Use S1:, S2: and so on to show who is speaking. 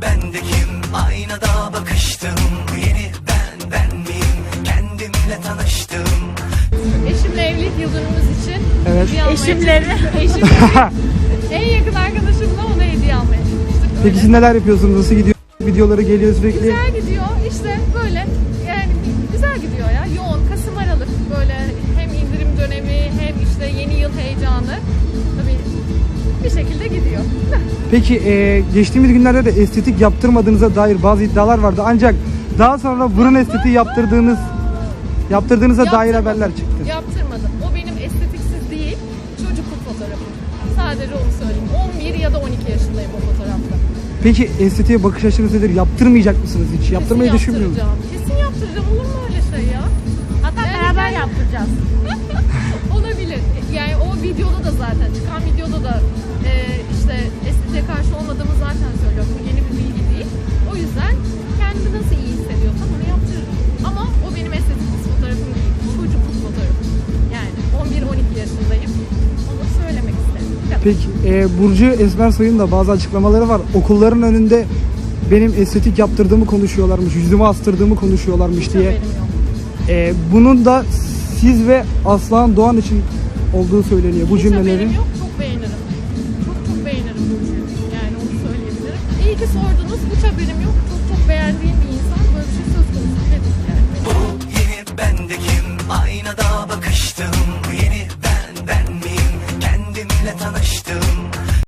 S1: ben de kim? Aynada bakıştım. Yeni ben miyim? Kendimle tanıştım.
S2: Eşimle evlilik yıl dönümümüz için
S3: Evet.
S2: hediye almaya
S4: Eşimleri.
S2: çıkmıştık. Eşimle en yakın arkadaşımla ona hediye almaya çıkmıştık.
S3: Peki
S2: Öyle.
S3: siz neler yapıyorsunuz? Nasıl gidiyor? Videoları geliyor sürekli.
S2: Güzel gidiyor işte böyle yani güzel gidiyor ya, yoğun. Kasım Aralık böyle hem indirim dönemi hem işte yeni yıl heyecanı, tabii bir şekilde gidiyor.
S3: Peki geçtiğimiz günlerde de estetik yaptırmadığınıza dair bazı iddialar vardı. Ancak daha sonra burun estetiği yaptırdığınıza dair
S2: Yaptırmadım.
S3: haberler çıktı.
S2: Yaptırmadım. O benim estetiksiz değil, çocukluk fotoğrafım. Sadece onu söyleyeyim. 11 ya da 12 yaşındayım o fotoğrafta.
S3: Peki estetiğe bakış açınız nedir? Yaptırmayacak mısınız hiç? Yaptırmayı
S2: Kesin
S3: düşünmüyor musunuz?
S2: yaptıracağım. Kesin yaptıracağım. Olur mu öyle şey ya?
S4: Hatta beraber yaptıracağız.
S2: Olabilir. Yani o videoda da zaten, çıkan videoda da işte estetiğe karşı olmadığımı zaten söylüyorum. Bu yeni bir bilgi değil. O yüzden kendimi nasıl iyi hissediyorsam onu yaptırırım. Ama o benim estetiksiz fotoğrafım değil. Çocukluk fotoğrafım. Yani 11-12 yaşındayım. Onu söylemek istedim.
S3: Peki Burcu Esmersoy'un da bazı açıklamaları var. Okulların önünde benim estetik yaptırdığımı konuşuyorlarmış, yüzümü astırdığımı konuşuyorlarmış
S2: Hiç
S3: diye.
S2: haberim yok.
S3: Bunun da siz ve Aslan Doğan için olduğu söyleniyor bu
S2: Hiç
S3: cümlelerin.
S2: haberim yok. Çok beğenirim. Çok beğenirim Burcu'yu. Yani onu söyleyebilirim. İyi ki sordunuz. Hiç haberim yok. Çok beğendiğim bir insan. Böyle bir şey söz konusu değil yani.
S1: Yeni ben de kim? Aynada bakıştım. Yeni ben miyim? Kendimle tanıştım.